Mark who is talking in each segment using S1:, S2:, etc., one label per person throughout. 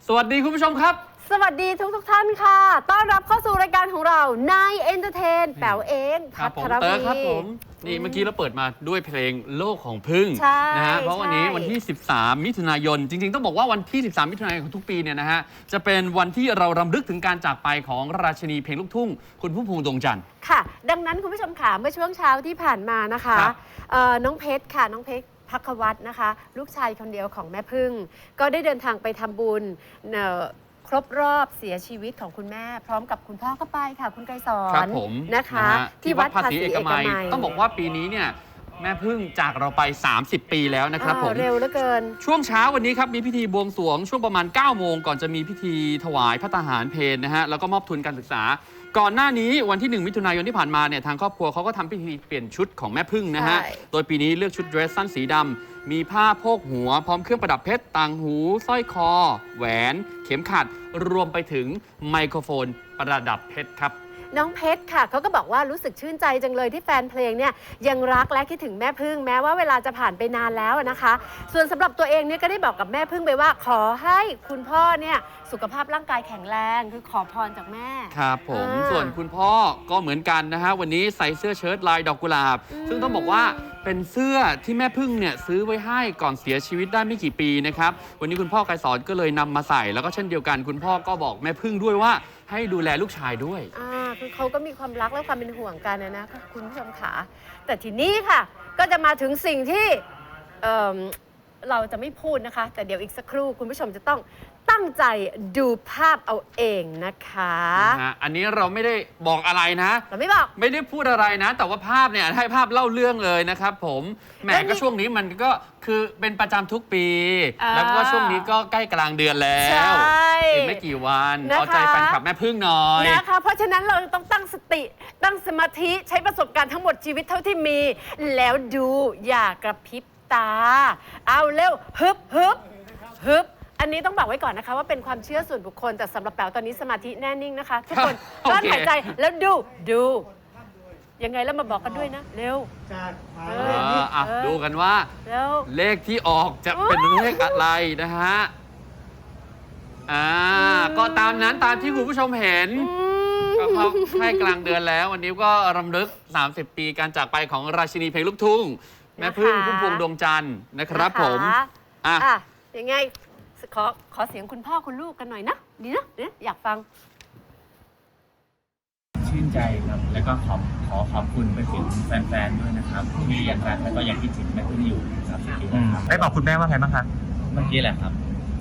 S1: สวัสดีคุณผู้ชมครับ
S2: สวัสดีทุกท่านค่ะต้อนรับเข้าสู่รายการของเรานายเอนเตอร์เทนแป๋วเอง
S1: ครับผมเตอร์ครับผมนี่เมื่อกี้เราเปิดมาด้วยเพลงโลกของพึ่งนะฮะเพราะวันนี้วันที่13มิถุนายนจริงๆต้องบอกว่าวันที่13มิถุนายนของทุกปีเนี่ยนะฮะจะเป็นวันที่เรารำลึกถึงการจากไปของราชินีเพลงลูกทุ่งคุณพุ่มพวงดวงจันทร์
S2: ค่ะดังนั้นคุณผู้ชมค่ะเมื่อช่วงเช้าที่ผ่านมานะคะน้องเพชรค่ะน้องเพชรพักวัฒน์นะคะลูกชายคนเดียวของแม่พึ่งก็ได้เดินทางไปทำบุญครบรอบเสียชีวิตของคุณแม่พร้อมกับคุณพ่อก็ไปค่ะคุณไกรสอนนะคะ
S1: ที่วัดภาษีเอกมัยต้องบอกว่าปีนี้เนี่ยแม่พึ่งจากเราไป30 ปีแล้วนะครับผม
S2: เร็วเหลือเกิน
S1: ช่วงเช้าวันนี้ครับมีพิธีบวงสรวงช่วงประมาณ9 โมงก่อนจะมีพิธีถวายพระทหารเพลนะฮะแล้วก็มอบทุนการศึกษาก่อนหน้านี้วันที่1มิถุนายนที่ผ่านมาเนี่ยทางครอบครัวเขาก็ทำพิธีเปลี่ยนชุดของแม่พึ่งนะฮะโดยปีนี้เลือกชุดเดรสสั้นสีดำมีผ้าโพกหัวพร้อมเครื่องประดับเพชรต่างหูสร้อยคอแหวนเข็มขัดรวมไปถึงไมโครโฟนประดับเพชรครับ
S2: น้องเพชรค่ะเขาก็บอกว่ารู้สึกชื่นใจจังเลยที่แฟนเพลงเนี่ยยังรักและคิดถึงแม่พึ่งแม้ว่าเวลาจะผ่านไปนานแล้วนะคะส่วนสำหรับตัวเองเนี่ยก็ได้บอกกับแม่พึ่งไปว่าขอให้คุณพ่อเนี่ยสุขภาพร่างกายแข็งแรงคือขอพรจากแม่
S1: ครับผมส่วนคุณพ่อก็เหมือนกันนะฮะวันนี้ใส่เสื้อเชิ้ตลายดอกกุหลาบซึ่งต้องบอกว่าเป็นเสื้อที่แม่พึ่งเนี่ยซื้อไว้ให้ก่อนเสียชีวิตได้ไม่กี่ปีนะครับวันนี้คุณพ่อไกรสอนก็เลยนำมาใส่แล้วก็เช่นเดียวกันคุณพ่อก็บอกแม่พึ่งด้วยว่าให้ดูแลลูกชายด้วย
S2: คือเขาก็มีความรักและความเป็นห่วงกันนะคุณผู้ชมขาแต่ทีนี้ค่ะก็จะมาถึงสิ่งที่เราจะไม่พูดนะคะแต่เดี๋ยวอีกสักครู่คุณผู้ชมจะต้องตั้งใจดูภาพเอาเองนะคะ
S1: อันนี้เราไม่ได้บอกอะไรนะ
S2: เราไม่บอก
S1: ไม่ได้พูดอะไรนะแต่ว่าภาพเนี่ยให้ภาพเล่าเรื่องเลยนะครับผมแหมก็ช่วงนี้มันก็คือเป็นประจำทุกปีแล้วก็ช่วงนี้ก็ใกล้กลางเดือนแล้วอีกไม่กี่วันเอาใจแฟนคลับแม่พึ่งหน่อย
S2: นะคะเพราะฉะนั้นเราต้องตั้งสติตั้งสมาธิใช้ประสบการณ์ทั้งหมดชีวิตเท่าที่มีแล้วดูอย่ากระพริบตาเอาเร็วฮึบฮึบฮึบอันนี้ต้องบอกไว้ก่อนนะคะว่าเป็นความเชื่อส่วนบุคคลแต่สำหรับแป๋วตอนนี้สมาธิแน่นิ่งนะคะทุกคนกลั้นหายใจแล้วดูยังไงแล้วมาบอกกันด้วยนะเร็ว
S1: ดูกันว่าเลขที่ออกจะเป็นเลขอะไรนะฮะก็ตามนั้นตามที่คุณผู้ชมเห็นก็เข้าใกล้กลางเดือนแล้ววันนี้ก็รำลึก30 ปีการจากไปของราชินีเพลงลูกทุ่งแม่พึ่งพุ่มพวงดวงจันทร์นะครับผม
S2: ยังไงขอเสียงคุณพ่อคุณลูกกันหน่อยนะดีนะอยากฟัง
S3: ชื่นใจครับแล้วก็ขอบคุณไปถึงแฟนๆด้วยนะครับที่ยังรักแล้วก็ยังคิดถึงแม่พึ่งอยู่ครับ
S4: ได้บอกคุณแม่ว่าไงบ้างครับ
S3: เมื่อกี้แหละครับ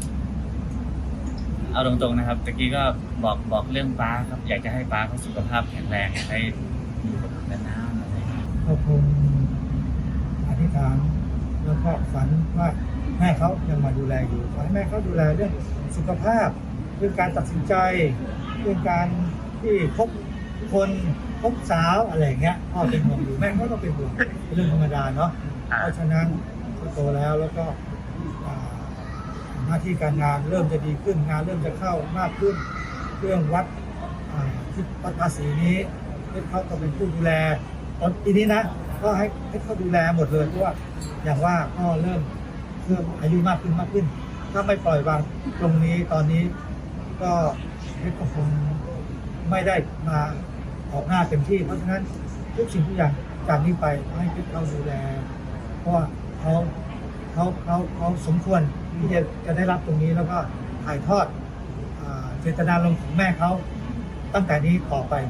S3: เอาตรงๆนะครับตะกี้ก็บอกเรื่องป้าครับอยากจะให้ป้าเขาสุขภาพแข็งแรงให้อยู่กับนานๆอะไร
S5: ก็คงอธิษฐานแล้วก็ฝันว่าแม่เขายังมาดูแลอยู่ขอให้แม่เขาดูแลเรื่องสุขภาพเรื่องการตัดสินใจเรื่องการที่พบคนพบสาวอะไรเงี้ยพ่อเป็นห่วงอยู่แม่ก็ต้องเป็นห่วงเป็นเรื่องธรรมดาเนาะเพราะฉะนั้นก็โตแล้วก็หน้าที่การงานเริ่มจะดีขึ้นงานเริ่มจะเข้ามากขึ้นเรื่องวัดที่วัดภาษีนี้เขาก็เป็นผู้ดูแลตอนปีนี้นะก็ให้เขาดูแลหมดเลยเพราะว่าอย่างว่าก็เริ่มอายุมากขึ้นถ้าไม่ปล่อยวางตรงนี้ตอนนี้ก็คงไม่ได้มาออกหน้าเต็มที่เพราะฉะนั้นทุกสิ่งทุกอย่างจากนี้ไปให้เขาดูแลเพราะว่าเขาสมควรที่จะได้รับตรงนี้แล้วก็ถ่ายทอดเจตนารมณ์ของแม่เขาตั้งแต่นี้ต่อไป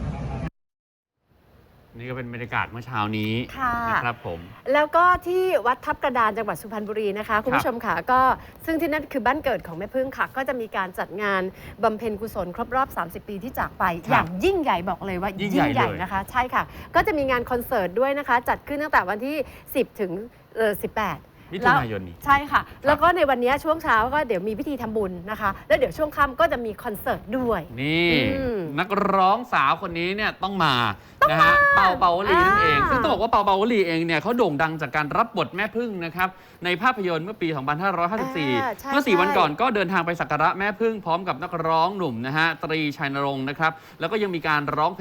S1: นี่ก็เป็นบรรยากาศเมื่อเช้านี้นะครับผม
S2: แล้วก็ที่วัดทับกระดานจังหวัดสุพรรณบุรีนะคะคุณผู้ชมค่ะก็ซึ่งที่นั่นคือบ้านเกิดของแม่พึ่งค่ะก็จะมีการจัดงานบำเพ็ญกุศลครบรอบ30 ปีที่จากไปอย่างยิ่งใหญ่บอกเลยว่ายิ่งใหญ่นะคะใช่ค่ะก็จะมีงานคอนเสิร์ตด้วยนะคะจัดขึ้นตั้งแต่วันที่10 ถึง 18
S1: มิถุนายนนี้
S2: ใช่ค่ะแล้วก็ในวันนี้ช่วงเช้าก็เดี๋ยวมีพิธีทำบุญนะคะแล้วเดี๋ยวช่วงค่ำก็จะมีคอนเสิร์ตด้วย
S1: นี่นักร้องสาวคนนี้เนี่ยต้องมานะฮะเปาวลีนั่นเองซึ่งต้องบอกว่าเปาวลีเองเนี่ยเขาโด่งดังจากการรับบทแม่พึ่งนะครับในภาพยนตร์เมื่อปี 2554 เมื่อ4 วันก่อนก็เดินทางไปสักการะแม่พึ่งพร้อมกับนักร้องหนุ่มนะฮะตรีชัยนรงค์นะครับแล้วก็ยังมีการร้องเพลง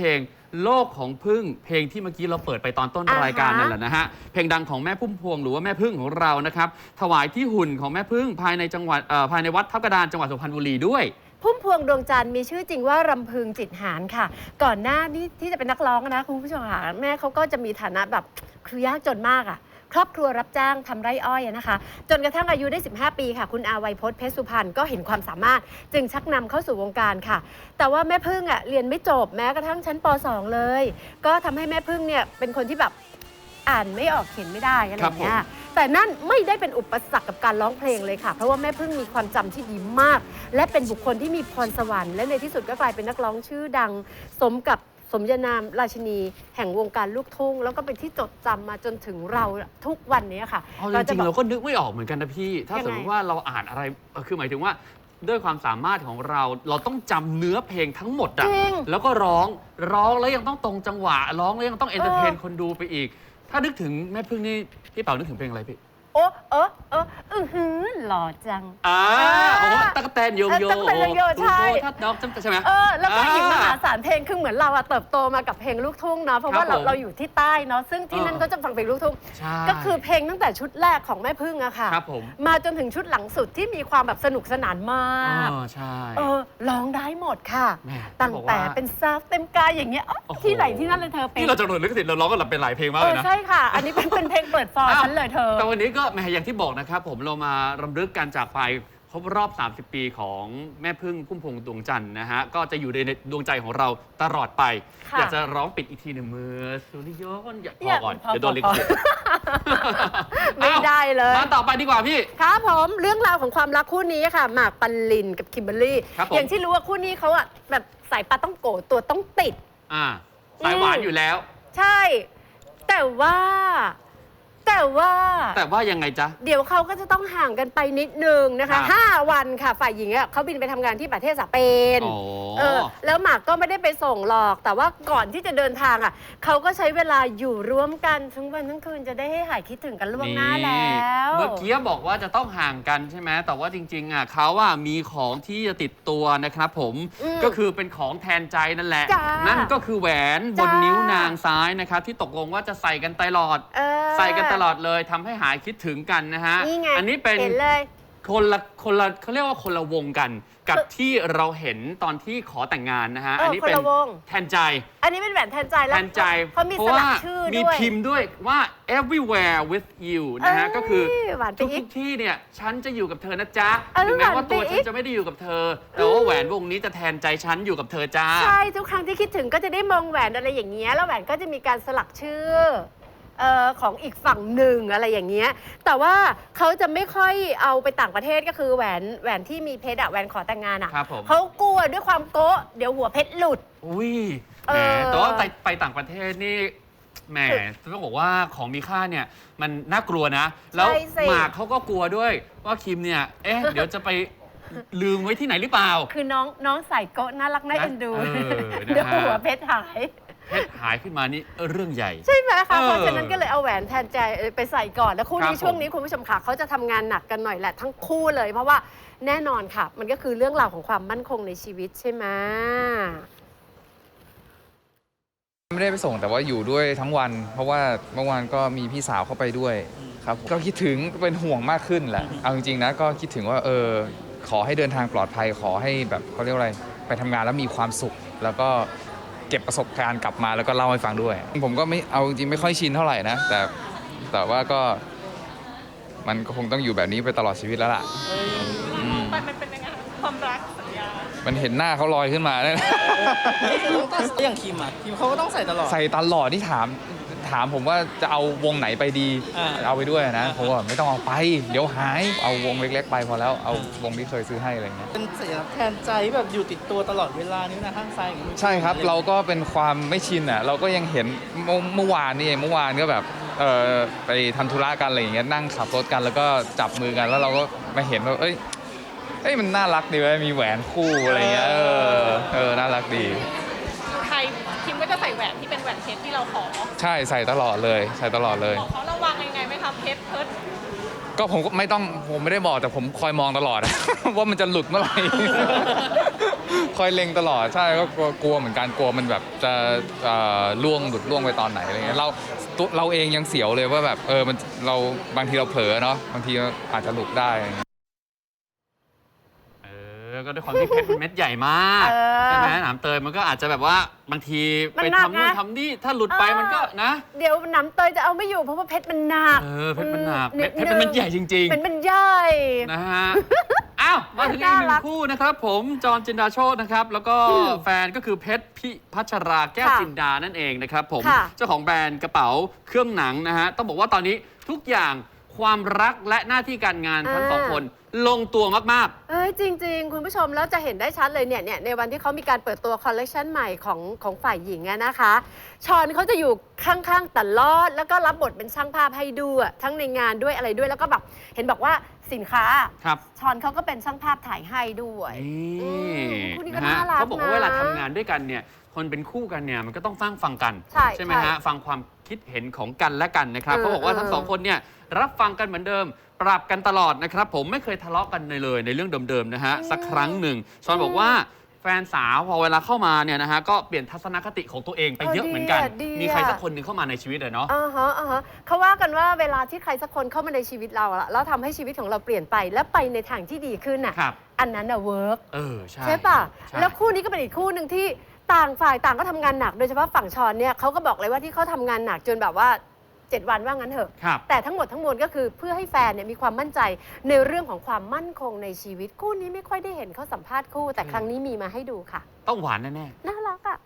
S1: โลกของพึ่งเพลงที่เมื่อกี้เราเปิดไปตอนต้น
S2: อ่าฮะ
S1: รายการนั่นแหละนะฮะเพลงดังของแม่พุ่มพวงหรือว่าแม่พึ่งของเรานะครับถวายที่หุ่นของแม่พึ่งภายในจังหวัดภายในวัดทับกระดานจังหวัดสุพรรณบุรีด้วย
S2: พุ่มพวงดวงจันทร์มีชื่อจริงว่ารำพึงจิตหารค่ะ ก่อนหน้านี้ที่จะเป็นนักร้องนะคุณผู้ชมค่ะแม่เขาก็จะมีฐานะแบบคือยากจนมากอ่ะครอบครัวรับจ้างทำไร่อ้อยนะคะ จนกระทั่งอายุได้ 15 ปีค่ะ คุณอาไวยพจน์เพชรสุพรรณก็เห็นความสามารถจึงชักนำเข้าสู่วงการค่ะ แต่ว่าแม่พึ่งอ่ะเรียนไม่จบแม้กระทั่งชั้นป .2 เลย ก็ทำให้แม่พึ่งเนี่ยเป็นคนที่แบบอ่านไม่ออกเขียนไม่ได้อะไรอย่างเงี้ยแต่นั่นไม่ได้เป็นอุปสรรคกับการร้องเพลงเลยค่ะ เพราะว่าแม่พึ่งมีความจำที่ดีมาก และเป็นบุคคลที่มีพรสวรรค์และในที่สุดก็กลายเป็นนักร้องชื่อดัง สมกับสมญานามราชินีแห่งวงการลูกทุ่งแล้วก็เป็นที่จดจำมาจนถึงเราทุกวันนี้ค่ะ
S1: เอาจริงๆเราก็นึกไม่ออกเหมือนกันนะพี่ ถ้า
S2: ยังไง
S1: สมมติว่าเราอ่านอะไรคือหมายถึงว่าด้วยความสามารถของเราต้องจำเนื้อเพลงทั้งหมดอะ
S2: จริง
S1: แล้วก็ร้องแล้วยังต้องตรงจังหวะร้องแล้วยังต้องเอนเตอร์เทนคนดูไปอีก ถ้านึกถึงแม่พึ่งนี่พี่เป๋านึกถึงเพลงอะไรพี่
S2: โอ้หือหล่อจัง
S1: โอ้ตั๊กแตนโยงโย
S2: ตั๊กแตนโยงโยใช่
S1: ทัดดอกจำใช่ไหม
S2: แล้วก็อีกมหาศาลเพลงคือเหมือนเราอะเติบโตมากับเพลงลูกทุ่งเนาะเพราะว่า
S1: ครับผม
S2: เราอยู่ที่ใต้เนาะซึ่งที่นั่นก็จะฟังเพลงลูกทุ่ง
S1: ใช่
S2: ก็คือเพลงตั้งแต่ชุดแรกของแม่พึ่งอะค่ะ
S1: ครับผม
S2: มาจนถึงชุดหลังสุดที่มีความแบบสนุกสนานมาก
S1: ใช่
S2: ร้องได้หมดค่ะ
S1: แม่
S2: ตั้ง
S1: บอก
S2: แต่
S1: ว่า
S2: เป็นซาฟเต็มกายอย่างเงี้ยอ๋อ
S1: โอ้โห
S2: ที่ไหนที่นั่นเลยเธอเป็น
S1: นี่เราจะโดนลิขสิทธิ์เราร้องกันหลับเป็นหลายเพลงมากเลยนะ
S2: ใช่ค่ะ อันนี้เป็นเพลงเปิดฟอร์ฉันเลยเธอ
S1: แต่วันนี้ก็แหมอย่างที่บอกนะครับผมเรามารำลึกการจากไปครบรอบ 30 ปีของแม่พึ่งพุ่มพวงดวงจันทร์นะฮะก็จะอยู่ในดวงใจของเราตลอดไป
S2: ค่ะ
S1: อยากจะร้องปิดอีกทีหนึ่งมือสุริยนต์พอก่อน
S2: พอ
S1: เดี๋ยวโดนลิขสิทธิ์
S2: ไม่ได้เลย
S1: มาต่อไปดีกว่าพี่
S2: ครับผมเรื่องราวของความรักคู่นี้ค่ะหมากปรินกับคิมเบอรรี่
S1: ครับผม
S2: อย่างที่รู้ว่าคู่นี้เขาอะแบบสายปลาต้องโกะตัวต้องติด
S1: สายหวานอยู่แล้ว
S2: ใช่ แต่ว่า
S1: แต่ว่ายังไงจ๊ะ
S2: เดี๋ยวเขาก็จะต้องห่างกันไปนิดนึงนะ
S1: ครั
S2: คะ
S1: บ
S2: 5 วันค่ะฝ่ายหญิงอะเขาบินไปทำงานที่ประเทศสเปน
S1: อ๋อ
S2: แล้วหมากก็ไม่ได้ไปส่งหรอก แต่ว่าก่อนที่จะเดินทางอ่ะเขาก็ใช้เวลาอยู่ร่วมกันทั้งวันทั้งคืนจะได้ให้หายคิดถึงกันล่วงหน้าแล้ว
S1: เมื่อกี้บอกว่าจะต้องห่างกันใช่ไหมแต่ว่าจริงๆเขามีของที่จะติดตัวนะครับผม ก็คือเป็นของแทนใจนั่นแหละ
S2: จ้านั่
S1: นั่นก็คือแหวนบ
S2: จ้าน
S1: นิ้วนางซ้ายนะครับที่ตกลงว่าจะใส่กันตลอด ใส่กันตลอดเลยทำให้หายคิดถึงกันนะฮะ
S2: นี่ไง
S1: อันนี้เป็น
S2: เห็นเลย
S1: คนละเขาเรียกว่าคนละวงกัน กับที่เราเห็นตอนที่ขอแต่งงานนะฮะ อันนี้เป็น
S2: คนละวง
S1: แทนใจ
S2: อันนี้เป็นแหวนแทนใจแล้ว
S1: แทนใจ
S2: เขามี
S1: เพราะ
S2: สลั
S1: ว่าก
S2: ชื่อ
S1: มี
S2: ด้วย
S1: พิมพ์ด้วยว่า everywhere with you นะฮะ ก็คือ
S2: หวานไป
S1: ทุก
S2: อีก
S1: ที่เนี่ยฉันจะอยู่กับเธอนะจ๊ะ
S2: ห
S1: ถึงแม้ว่า
S2: วานไป
S1: ตัว
S2: อี
S1: ฉั
S2: ก
S1: นจะไม่ได้อยู่กับเธอ แต่ว่าแหวนวงนี้จะแทนใจฉันอยู่กับเธอจ้า
S2: ใช่ทุกครั้งที่คิดถึงก็จะได้มองแหวนอะไรอย่างเงี้ยแล้วแหวนก็จะมีการสลักชื่อของอีกฝั่งหนึ่งอะไรอย่างเงี้ยแต่ว่าเขาจะไม่ค่อยเอาไปต่างประเทศก็คือแหวนที่มีเพชรอะแหวนขอแต่งงานอะ
S1: ครับผม
S2: เขากลัวด้วยความโก๊ะเดี๋ยวหัวเพชรหลุด
S1: อุ้ย
S2: เอ
S1: แหม
S2: อ
S1: แต่ว่าไปต่างประเทศนี่แหมต้องบอกว่าของมีค่าเนี่ยมันน่ากลัวนะ แล้ว
S2: ใช่สิ
S1: หมากเขาก็กลัวด้วยว่าคิมเนี่ยเดี๋ยวจะไปลืมไว้ที่ไหนหรือเปล่า
S2: คือน้องใส่โก๊ะน่ารักน่าเอ็นดู
S1: นะฮะ
S2: เดี๋ยวหัวเพชรหาย
S1: เพชรหายขึ้นมานี่เรื่องใหญ่
S2: ใช่ไหมคะ
S1: เออ
S2: เพราะฉะนั้นก็เลยเอาแหวนแทนใจไปใส่ก่อนแล้วคู่
S1: ครั
S2: นี้
S1: บ
S2: ช่วงนี้คุณผู้ชมค่ะเขาจะทำงานหนักกันหน่อยแหละทั้งคู่เลย เพราะว่าแน่นอนค่ะ มันก็คือเรื่องราวของความมั่นคงในชีวิตใช่ไหม
S6: ไม่ได้ไปส่งแต่ว่าอยู่ด้วยทั้งวัน เพราะว่าเมื่อวานก็มีพี่สาวเข้าไปด้วยครับก็คิดถึงเป็นห่วงมากขึ้นแหละเอาจริงๆนะก็คิดถึงว่าขอให้เดินทางปลอดภัยขอให้แบบเขาเรียกว่าอะไรไปทำงานแล้วมีความสุข แล้วก็เก็บประสบการณ์กลับมาแล้วก็เล่าให้ฟังด้วย ผมก็ไม่เอาจริงๆไม่ค่อยชินเท่าไหร่นะแต่ว่าก็มันก็คงต้องอยู่แบบนี้ไปตลอดชีวิตแล้วล่ะ
S7: มันเป็นยังไงความรักสัญญา
S6: มันเห็นหน้าเขาลอยขึ้นมาเนี่ย
S8: อย่างคิมอ่ะคิมเขาก็ต้องใส่ตลอด
S6: ใส่ตลอดที่ถามผมว่าจะเอาวงไหนไปดี เอาไปด้วยนะผมว่าไม่ต้องเอาไป เดี๋ยวหายเอาวงเล็กๆไปพอแล้วเอาวงที่เคยซื้อให้อะไรเงี้ย
S8: เป็นสัญลักษณ์แทนใจแบบอยู่ติดตัวตลอดเวลานิ้วนะข้างซ้ายอย่างนี้
S6: ใช่ครับเราก็เป็นความไม่ชินอ่ะเราก็ยังเห็นเมื่อวานนี่เองเมื่อวานก็แบบไปทำธุระกันอะไรอย่างเงี้ยนั่งขับรถกันแล้วก็จับมือกันแล้วเราก็มาเห็นว่าเอ้ยมันน่ารักดีเว้ยมีแหวนคู่อะไรเงี้ยน่ารักดี
S7: ไทยคิมก็จะใส่แหวนที่เป็นแหวนเพชรที่เราขอ
S6: ใช่ใส่ตลอดเลยใส่ตลอดเลย
S7: บอกเขาระวังยังไงไหมครับเพชรเพิร์ด
S6: ก็ผมไม่ได้บอกแต่ผมคอยมองตลอด ว่ามันจะหลุดเมื่อไหร่คอยเล็งตลอดใช่ก็กลัวเหมือนกันกลัวมันแบบจะหลุดล่วงไปตอนไหนอะไรเงี้ยเราเองยังเสียวเลยว่าแบบมันเราบางทีเราเผลอเนาะบางทีอาจจะหลุดได้
S1: ก็ด้วยความที่เพชรเป็นเม็ดใหญ่มาก ใช่ไหมหนามเตยมันก็อาจจะแบบว่าบางทีไปทำนู่นทำนี่ถ้าหลุดไปมันก็นะ
S2: เดี๋ยวหนามเตยจะเอาไม่อยู่เพราะว่าเพชรมันหนัก
S1: เพชรมันหนักเพชรเป็นเม็ดใหญ่จริงๆ
S2: เป็นมันใหญ่
S1: นะฮะ อ้าว มาถึงอีกหนึ่งคู่นะครับ ผมจอห์นจินดาโชตินะครับ แล้วก็แฟนก็คือเพชรพิพัชราแก้วจินดานั่นเองนะครับผมเจ้าของแบรนด์กระเป๋าเครื่องหนังนะฮะต้องบอกว่าตอนนี้ทุกอย่างความรักและหน้าที่การงานทั้งสองคนลงตัวมากๆ
S2: จริงๆ คุณผู้ชมแล้วจะเห็นได้ชัดเลยเนี่ยในวันที่เขามีการเปิดตัวคอลเลกชันใหม่ของฝ่ายหญิงนะคะชอนเขาจะอยู่ข้างๆตลอดแล้วก็รับบทเป็นช่างภาพให้ด้วยทั้งในงานด้วยอะไรด้วยแล้วก็แบบเห็นบอกว่าสินค้าชอนเขาก็เป็นช่างภาพถ่ายให้ด้วยคู่นี้ก็น่ารักนะ
S1: เขาบอกว่าเวลาทำงานด้วยกันเนี่ยคนเป็นคู่กันเนี่ยมันก็ต้องฟังกันใช่ไหมฮะฟังความคิดเห็นของกันและกันนะครับเขาบอกว่าทั้งสองคนเนี่ยรับฟังกันเหมือนเดิมปรับกันตลอดนะครับผมไม่เคยทะเลาะกันเลยในเรื่องเดิมๆนะฮะสักครั้งหนึ่งชอนบอกว่าแฟนสาวพอเวลาเข้ามาเนี่ยนะฮะก็เปลี่ยนทัศนคติของตัวเองไปเยอะเหมือนกันมีใครสักคนหนึ่งเข้ามาในชีวิตเลยเนาะ
S2: เขาว่ากันว่าเวลาที่ใครสักคนเข้ามาในชีวิตเราแล้วทำให้ชีวิตของเราเปลี่ยนไปและไปในทางที่ดีขึ้นน่ะอันนั้นน่ะเวิร์กใช่ป่ะแล้วคู่นี้ก็เป็นอีกคู่หนึ่งที่ต่างฝ่ายต่างก็ทำงานหนักโดยเฉพาะฝั่งชอนเนี่ยเขาก็บอกเลยว่าที่เขาทำงานหนักจนแบบว่า7 วันว่างั้นเถอะแต่ทั้งหมดทั้งมวลก็คือเพื่อให้แฟนเนี่ยมีความมั่นใจในเรื่องของความมั่นคงในชีวิตคู่นี้ไม่ค่อยได้เห็นเขาสัมภาษณ์คู่แต่ครั้งนี้มีมาให้ดูค่ะ
S1: ต้องหวานแน่
S2: ๆน่ารักอ่ะ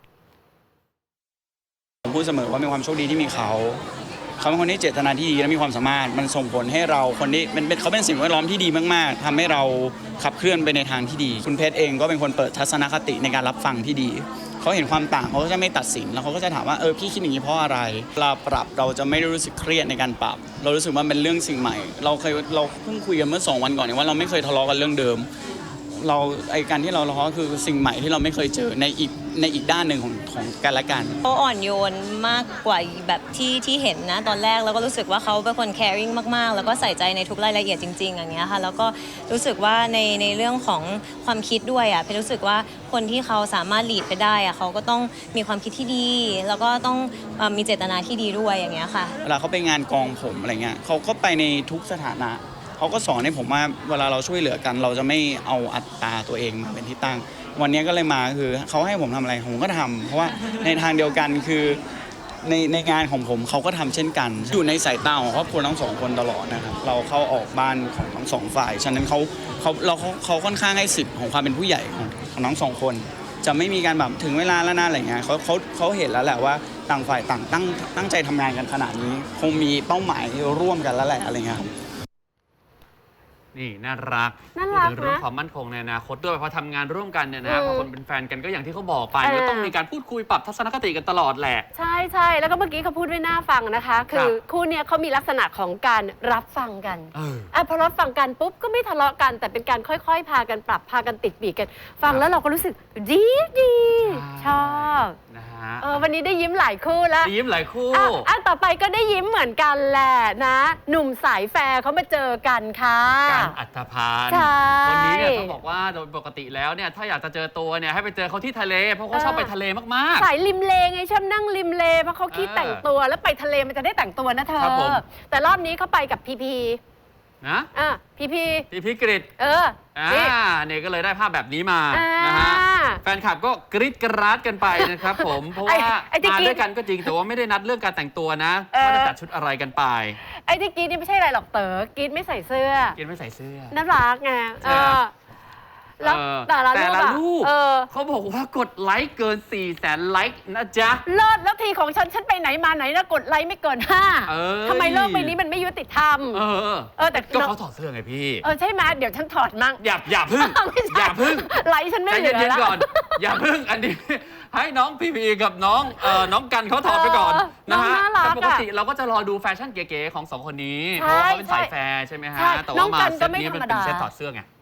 S9: ผมพูดเสมอว่ามีความโชคดีที่มีเขาเป็นคนที่เจตนาที่ดีและมีความสามารถมันส่งผลให้เราคนที่เขาเป็นสิ่งแวดล้อมที่ดีมากๆทำให้เราขับเคลื่อนไปในทางที่ดีคุณเพชรเองก็เป็นคนเปิดทัศนคติในการรับฟังที่ดีเขาเห็นความต่างเขาก็จะไม่ตัดสินแล้วเขาก็จะถามว่าพี่คิดอย่างนี้เพราะอะไรเราปรับเราจะไม่ได้รู้สึกเครียดในการปรับเรารู้สึกว่าเป็นเรื่องสิ่งใหม่เราเพิ่งคุยกันเมื่อ2 วันก่อนเนี่ยว่าเราไม่เคยทะเลาะกันเรื่องเดิมการที่เราทะเลาะคือสิ่งใหม่ที่เราไม่เคยเจอในอีกด้านหนึ่งของกันและกัน
S10: เขาอ่อนโยนมากกว่าแบบที่เห็นนะตอนแรกแล้วก็รู้สึกว่าเขาเป็นคน caring มากๆแล้วก็ใส่ใจในทุกรายละเอียดจริงๆอย่างเงี้ยค่ะแล้วก็รู้สึกว่าในเรื่องของความคิดด้วยเพนรู้สึกว่าคนที่เขาสามารถ lead ไปได้เขาก็ต้องมีความคิดที่ดีแล้วก็ต้องมีเจตนาที่ดีด้วยอย่างเงี้ยค่ะ
S9: เวลาเขาไปงานกองผมอะไรเงี้ยเขาก็ไปในทุกสถานะเขาก็สอนให้ผมว่าเวลาเราช่วยเหลือกันเราจะไม่เอาอัตราตัวเองมาเป็นที่ตั้งวันนี้ก็เลยมาคือเขาให้ผมทำอะไรผมก็ทำเพราะว่าในทางเดียวกันคือในงานของผมเขาก็ทำเช่นกันอยู่ในสายตาของครอบครัวทั้ง2 คนตลอดนะครับเราเข้าออกบ้านของทั้ง2 ฝ่ายฉะนั้นเขาค่อนข้างให้สิทธิ์ของความเป็นผู้ใหญ่ของทั้ง2 คนจะไม่มีการแบบถึงเวลาแล้วนะอะไรเงี้ยเขาเห็นแล้วแหละว่าต่างฝ่ายต่างตั้งใจทำงานกันขนาดนี้คงมีเป้าหมายร่วมกันแล้วแหละอะไรเงี้ย
S1: นี่น่ารักพูดถึงเรื่องความมั่นคงในอนาคตด้วยพอทำงานร่วมกันเนี่ยนะพอคนเป็นแฟนกันก็อย่างที่เขาบอกไปก็ต้องมีการพูดคุยปรับทัศนคติกันตลอดแหละ
S2: ใช่แล้วก็เมื่อกี้เขาพูดด้วยน่าฟังนะคะคือคู่เนี้ยเขามีลักษณะของการรับฟังกันพอรับฟังกันปุ๊บก็ไม่ทะเลาะกันแต่เป็นการค่อยๆพากันปรับพากันติดปีกกันฟังแล้วเราก็รู้สึกดีชอบวันนี้ได้ยิ้มหลายคู่แล้ว
S1: ยิ้มหลายคู่
S2: ต่อไปก็ได้ยิ้มเหมือนกันแหละนะหนุ่มสายแฟร์เขามาเจอกันค่ะ
S1: การอัฐพานวันนี้เนี่ยต้องบอกว่าโดยปกติแล้วเนี่ยถ้าอยากจะเจอตัวเนี่ยให้ไปเจอเขาที่ทะเลเพราะเขาชอบไปทะเลมาก
S2: ๆสายริมเลไงชอบนั่งริมเลเพราะเขาคิดแต่งตัวแล้วไปทะเลมันจะได้แต่งตัวนะเธอแต่รอบนี้เขาไปกับพี
S1: นะพีกริดเนี่ยก็เลยได้ภาพแบบนี้มานะฮะแฟนคลับก็กรี๊ดกราดกันไปนะครับผมเพราะว่ามาด้วยกันก็จริงแต่ว่าไม่ได้นัดเรื่องการแต่งตัวนะว่าจะจัดชุดอะไรกันไป
S2: ไอ้ที่กรี๊ดนี่ไม่ใช่อะไรหรอกเต๋อกรี๊ดไม่ใส่เสื้อก
S1: รี๊ดไม่ใส่เสื้อ
S2: น่ารักไงแล้วแต่ละรูป
S1: เขาบอกว่ากดไลค์เกิน 400,000 ไลค์นะจ๊ะ
S2: เลิศแล้วทีของฉันไปไหนมาไหนนะกดไลค์ไม่เกิน5ทำไมโลกใบนี้มันไม่ยุติธรรม
S1: แต่ก็เขาถอดเสื้อไงพี่
S2: ใช่ไหมเดี๋ยวฉันถอดมั่ง
S1: อย่าพึ่ง
S2: ไลค์ฉันไม่เหลือแล้ว
S1: ก่อนอย่าพึ่งอันนี้ให้น้องพีกับน้องกันเขาถอดไปก่อนนะฮะแต่ปกติเราก็จะรอดูแฟชั่นเก๋ๆของ2 คนนี้เพราะว่าเขาเป็นสายแฟร์ใช่ไหมฮะแต่ว่ามาเซตนี้มันเป็นเซตถอดเสื้อไง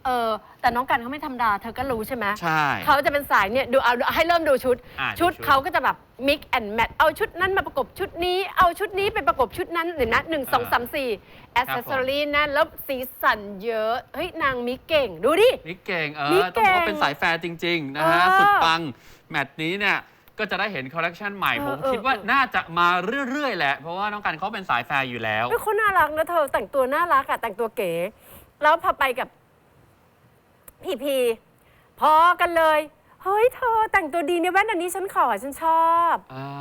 S2: แต่น้องกันเขาไม่ธรรมดาเธอก็รู้ใช่ไหม
S1: ใช่
S2: เขาจะเป็นสายเนี่ยดูเอาให้เริ่มดูชุด ชุด
S1: ดูชุด
S2: เขาก็จะแบบ mix and match เอาชุดนั้นมาประกบชุดนี้ เอาชุดนี้ไปประกบชุดนั้นเดี๋ยวนะ1 2 3 4 accessory นั่นแล้วสีสันเยอะเฮ้ยนางมิกเก่งดูดิ
S1: นี่เก่ง
S2: นี่เก่ง
S1: ต้องบอกว่าเป็นสายแฟร์จริง ๆ นะฮะ สุดปัง แมตช์นี้เนี่ย ก็จะได้เห็นคอลเลคชันใหม่ ผมคิดว่าน่าจะมาเรื่อย ๆ แหละ เพราะว่าน้องกันเขาเป็นสายแฟร์อยู่แล้ว
S2: เฮ้ยเขาน่ารักนะเธอแต่งตัวน่ารักอะแต่งตัวเก๋ แล้วพอไปกับพีพอกันเลย เฮ้ยเธอแต่งตัวดีเนี่ยแว่นอันนี้ฉันขอฉันชอบ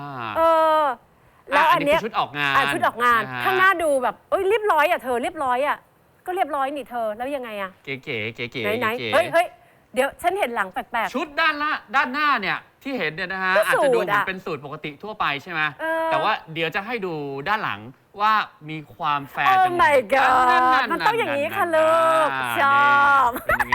S2: แล้วอันเนี้ย
S1: คือชุดออกงาน
S2: ชุดออกงาน
S1: นะฮะ
S2: ข้างหน้าดูแบบเรียบร้อยอะเธอเรียบร้อยอะก็เรียบร้อยนี่เธอแล้วยังไงอะ
S1: เก๋ๆเก๋
S2: ไหน
S1: ๆ
S2: เฮ้ยเดี๋ยวฉันเห็นหลังแปลก
S1: ชุดด้านหน้าเนี่ยที่เห็นเนี่ยนะฮะ
S2: ก็
S1: อาจจะดู
S2: สูท
S1: เหมือน
S2: อะ
S1: เป็นสูตรปกติทั่วไปใช่ไหม
S2: เออ
S1: แต่ว่าเดี๋ยวจะให้ดูด้านหลังว่ามีความแฟร์
S2: โอ้
S1: จัง
S2: my god
S1: นั่น
S2: มันต้องอย่างนี้ค่ะลูก
S1: ๆ
S2: ชอบ
S1: เป็นยังไง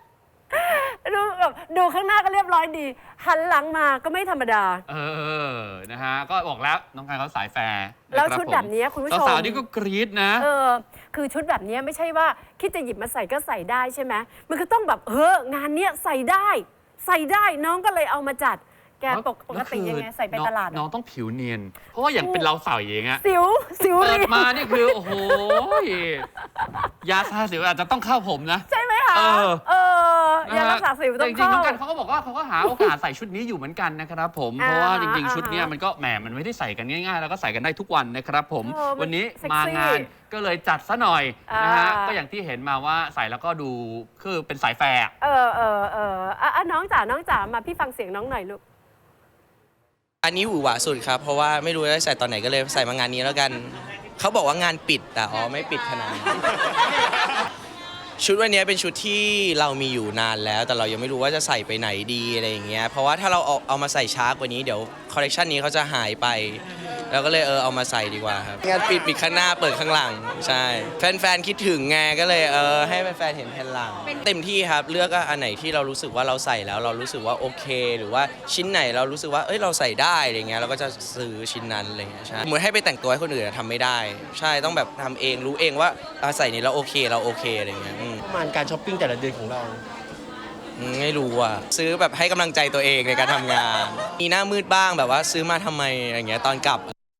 S2: ดูข้างหน้าก็เรียบร้อยดี หันหลังมาก็ไม่ธรรมดา
S1: นะฮะ ก็บอกแล้วน้องกันเขาสายแฟร์
S2: แล้ว
S1: นะครับ
S2: ชุดแบบนี้คุณผู้ชม
S1: สาวๆนี่ก็กรี๊ดนะ
S2: คือชุดแบบนี้ไม่ใช่ว่าคิดจะหยิบมาใส่ก็ใส่ได้ใช่ไหมมันก็ต้องแบบงานเนี้ยใส่ได้น้องก็เลยเอามาจัด แกปกติยังไงใส่ไปตลาด
S1: น้องต้องผิวเนียน เพราะว่าอย่างเป็นเราใส่เองอะ
S2: สิว
S1: เปิ
S2: เรี
S1: ด
S2: ยน
S1: มานี่คือ โอ้โหยาทาสิวอาจจะต้องเข้าผมนะ
S2: ใช่ไหมคะยารักษาสิวต้อง
S1: จริงๆน้
S2: เข้า
S1: องกันเขาก็บอกว่าเขาก็หาโอกาสใส่ชุดนี้อยู่เหมือนกันนะครับผม เพราะว่าจริงๆชุดเนี้ยมันก็แหมมันไม่ได้ใส่กันง่ายๆ แล้วก็ใส่กันได้ทุกวันนะครับผม วันนี้มางานก็เลยจัดซะหน่อยนะฮะก็อย่างที่เห็นมาว่าใส่แล้วก็ดูคือเป็นสายแฟร์
S2: น้องจ๋ามาพี่ฟังเสียงน้องหน่อยลูก
S11: อันนี้หวือหวาสุดครับ เพราะว่าไม่รู้จะใส่ตอนไหนก็เลยใส่มางานนี้แล้วกัน เขาบอกว่างานปิดแต่ไม่ปิดขนาดนั้น ชุดวันนี้เป็นชุดที่เรามีอยู่นานแล้ว แต่เรายังไม่รู้ว่าจะใส่ไปไหนดีอะไรอย่างเงี้ยเพราะว่าถ้าเราเอามาใส่ช้ากว่านี้เดี๋ยวคอลเลคชันนี้เขาจะหายไปเราก็เลยเอามาใส่ดีกว่าครับงานปิดข้างหน้าเปิดข้างหลังใช่แฟนๆคิดถึงไงก็เลยให้แฟนๆเห็นแผ่นหลังเต็มที่ครับเลือกอันไหนที่เรารู้สึกว่าเราใส่แล้วเรารู้สึกว่าโอเค หรือว่าชิ้นไหนเรารู้สึกว่าเราใส่ได้อะไรเงี้ยเราก็จะซื้อชิ้นนั้นอะไรเงี้ยใช่เหมือนให้ไปแต่งตัวให้คนอื่นทำไม่ได้ใช่ต้องแบบทำเองรู้เองว่าใส่นี้เราโอเคอะไรเงี้ย
S8: ประมาณการช้อปปิ้งแต่ละเดือนของเรา
S11: ไม่รู้ซื้อแบบให้กำลังใจตัวเองในการทำงานมีหน้ามืดบ้างแบบว่าซื้อมาทำไมอะไรเงี้ยตอนกลับ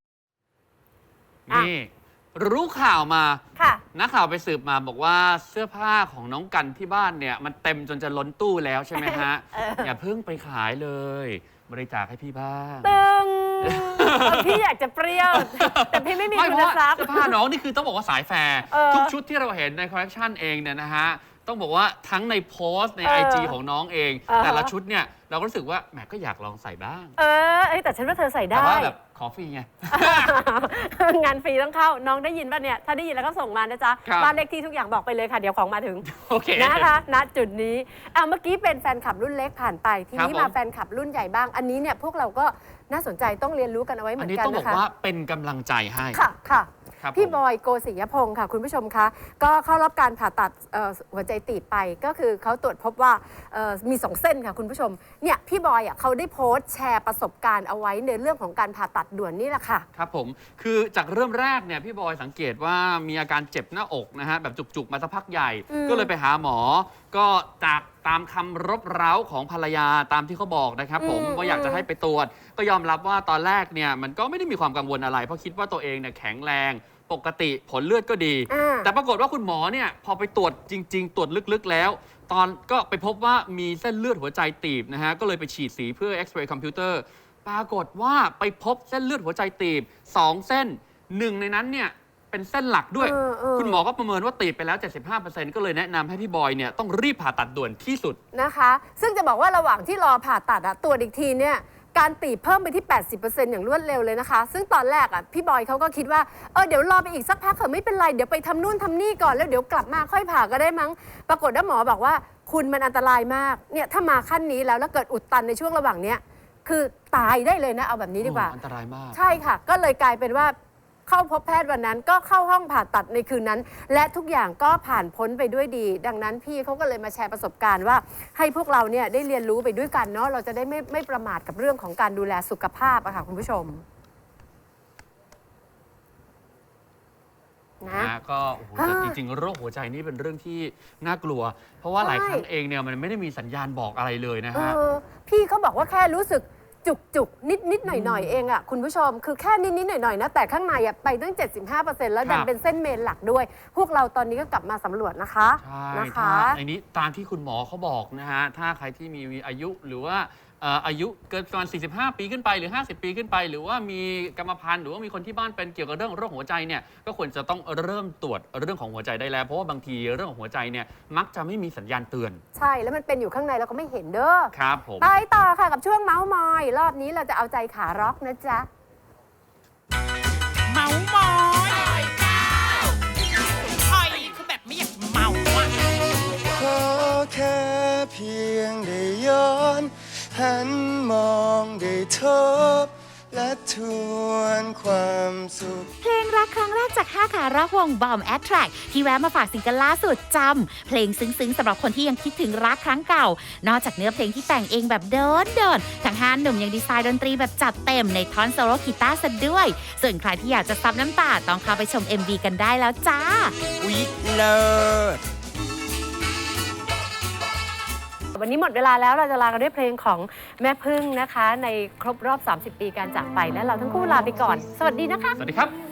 S1: นี่รู้ข่าวมา
S2: ค่ะ
S1: นักข่าวไปสืบมาบอกว่าเสื้อผ้าของน้องกันที่บ้านเนี่ยมันเต็มจนจะล้นตู้แล้วใช่ไหมฮะ อย่าเพิ่งไปขายเลย บริจาคให้พี่บ้าง
S2: ตึงพี่อยากจะเปรี้ยว แต่พี่ไม่มี
S1: ไม่
S2: ทุ
S1: เพ
S2: น
S1: ราะว่า
S2: ทรัพย์
S1: เสื้อผ้าน้องนี่คือต้องบอกว่าสายแฟร์ทุกชุดที่เราเห็นในคอลเลคชันเองเนี่ยนะฮะต้องบอกว่าทั้งในโพสต์ใน IG ของน้องเอง แต่ละชุดเนี่ยเราก็รู้สึกว่าแหมก็อยากลองใส่บ้าง
S2: แต่ฉันว่าเธอใส่
S1: แต่
S2: ได้
S1: ว่าแบบขอฟรีไง
S2: งานฟรีต้องเข้าน้องได้ยินป่ะเนี่ยถ้าได้ยินแล้วก็ส่งมานะจ๊ะ
S1: ครับ
S2: บ้านเลขที่ทุกอย่างบอกไปเลยค่ะเดี๋ยวของมาถึง
S1: โอเค
S2: นะคะณจุดนี้เมื่อกี้เป็นแฟนคลับรุ่นเล็กผ่านไปทีนี้
S1: ครับผม
S2: มาแฟนคลับรุ่นใหญ่บ้างอันนี้เนี่ยพวกเราก็น่าสนใจต้องเรียนรู้กันเอาไว้เหมื
S1: อั
S2: อน น
S1: นี้
S2: กัน
S1: ต้องบอก
S2: นะคะ
S1: ว่าเป็นกำลังใจให้
S2: ค่ะ
S1: ครับ
S2: พี่
S1: ผม
S2: บอยโกศิยพงศ์ค่ะคุณผู้ชมคะก็เข้ารับการผ่าตัดหัวใจตีบไปก็คือเขาตรวจพบว่ามี2เส้นค่ะคุณผู้ชมเนี่ยพี่บอยเขาได้โพสต์แชร์ประสบการณ์เอาไว้ในเรื่องของการผ่าตัดด่วนนี่แหละค่ะ
S1: ครับผมคือจากเริ่มแรกเนี่ยพี่บอยสังเกตว่ามีอาการเจ็บหน้าอกนะฮะแบบจุกๆมาสักพักใหญ่ ก็เลยไปหาหมอ ก็จากตามคำรบเร้าของภรรยาตามที่เขาบอกนะครับผมว่าอยากจะให้ไปตรวจ ก็ยอมรับว่าตอนแรกเนี่ยมันก็ไม่ได้มีความกังวลอะไร เพราะคิดว่าตัวเองเนี่ยแข็งแรงปกติผลเลือดก็ดี แต่ปรากฏว่าคุณหมอเนี่ยพอไปตรวจจริง ๆ ตรวจลึกๆแล้ว ตอนก็ไปพบว่ามีเส้นเลือดหัวใจตีบนะฮะก็เลยไปฉีดสีเพื่อเอ็กซเรย์คอมพิวเตอร์ปรากฏว่าไปพบเส้นเลือดหัวใจตีบ2 เส้น1ในนั้นเนี่ยเป็นเส้นหลักด้วย คุณหมอก็ประเมินว่าตีบไปแล้ว 75% ก็เลยแนะนำให้พี่บอยเนี่ยต้องรีบผ่าตัดด่วนที่สุด
S2: นะคะซึ่งจะบอกว่าระหว่างที่รอผ่าตัดตรวจอีกทีเนี่ยการตีบเพิ่มไปที่ 80% อย่างรวดเร็วเลยนะคะซึ่งตอนแรกพี่บอยเขาก็คิดว่าเดี๋ยวรอไปอีกสักพักเถอะไม่เป็นไรเดี๋ยวไปทำนู่นทำนี่ก่อนแล้วเดี๋ยวกลับมาค่อยผ่าก็ได้มั้งปรากฏว่าหมอบอกว่าคุณมันอันตรายมากเนี่ยถ้ามาขั้นนี้แล้วเกิดอุดตันในช่วงระหว่างเนี้ยคือตายได้เลยนะเอาแบบนี้ดีกว่า
S1: อันตรายมาก
S2: ใช่ค่ะก็เลยกลายเป็นว่าเข้าพบแพทย์วันนั้นก็เข้าห้องผ่าตัดในคืนนั้นและทุกอย่างก็ผ่านพ้นไปด้วยดี ดังนั้นพี่เขาก็เลยมาแชร์ประสบการณ์ว่าให้พวกเราเนี่ยได้เรียนรู้ไปด้วยกันเนาะเราจะได้ไม่ประมาทกับเรื่องของการดูแลสุขภาพอะค่ะคุณผู้ชมนะ
S1: ก็โอ้โหแต่จริงๆโรคหัวใจนี่เป็นเรื่องที่น่ากลัว เพราะว่าหลายครั้งเองเนี่ยมันไม่ได้มีสัญญาณบอกอะไรเลยนะฮะ
S2: พี่ก็บอกว่าแค่รู้สึกจุกนิดหน่อยเองอ่ะคุณผู้ชมคือแค่นิดหน่อยนะแต่ข้างในอ่ะไปตั้ง 75%แล้วดันเป็นเส้นเมนหลักด้วย พวกเราตอนนี้ก็กลับมาสำรวจนะคะ
S1: ใช่
S2: นะคะ
S1: ถ้าอันนี้ตามที่คุณหมอเขาบอกนะฮะ ถ้าใครที่มีอายุหรือว่าอายุเกินประมาณ45 ปีขึ้นไปหรือ 50 ปีขึ้นไป หรือว่ามีกรรมพันธุ์หรือว่ามีคนที่บ้านเป็นเกี่ยวกับเรื่องโรคหัวใจเนี่ยก็ควรจะต้องเริ่มตรวจเรื่องของหัวใจได้แล้ว เพราะว่าบางทีเรื่องของหัวใจเนี่ยมักจะไม่มีสัญญาณเตือน
S2: ใช่แล้วมันเป็นอยู่ข้างในเราก็ไม่เห็นเด้อ
S1: ครับผม
S2: ไปต่อค่ะกับช่วงเมาส์มอย รอบนี้เราจะเอาใจขาร็อกนะจ๊ะ
S12: เมามอยคอยคือแบบไม่อยากเมาอ่ะ
S13: ขอแค่เพียงได้ย้อนหันมองได้ทบและทวนความสุข
S14: เพลงรักครั้งแรกจาก5ขาร็อกวงบอมแอทแทร็กที่แวะมาฝากซิงเกิลล่าสุดจำเพลงซึ้งๆสำหรับคนที่ยังคิดถึงรักครั้งเก่า นอกจากเนื้อเพลงที่แต่งเองแบบเดินทั้ง5หนุ่มยังดีไซน์ดนตรีแบบจัดเต็มในท่อนโซโล่กีตาร์ซะด้วย ส่วนใครที่อยากจะซับน้ำตาต้องเข้าไปชม MV กันได้แล้วจ้า
S13: อุ๊ยเลิศ
S2: วันนี้หมดเวลาแล้วเราจะลากันด้วยเพลงของแม่พึ่งนะคะ ในครบรอบ 30 ปีการจากไปและเราทั้งคู่ลาไปก่อน สวัสดีนะคะ
S1: สวัสดีครับ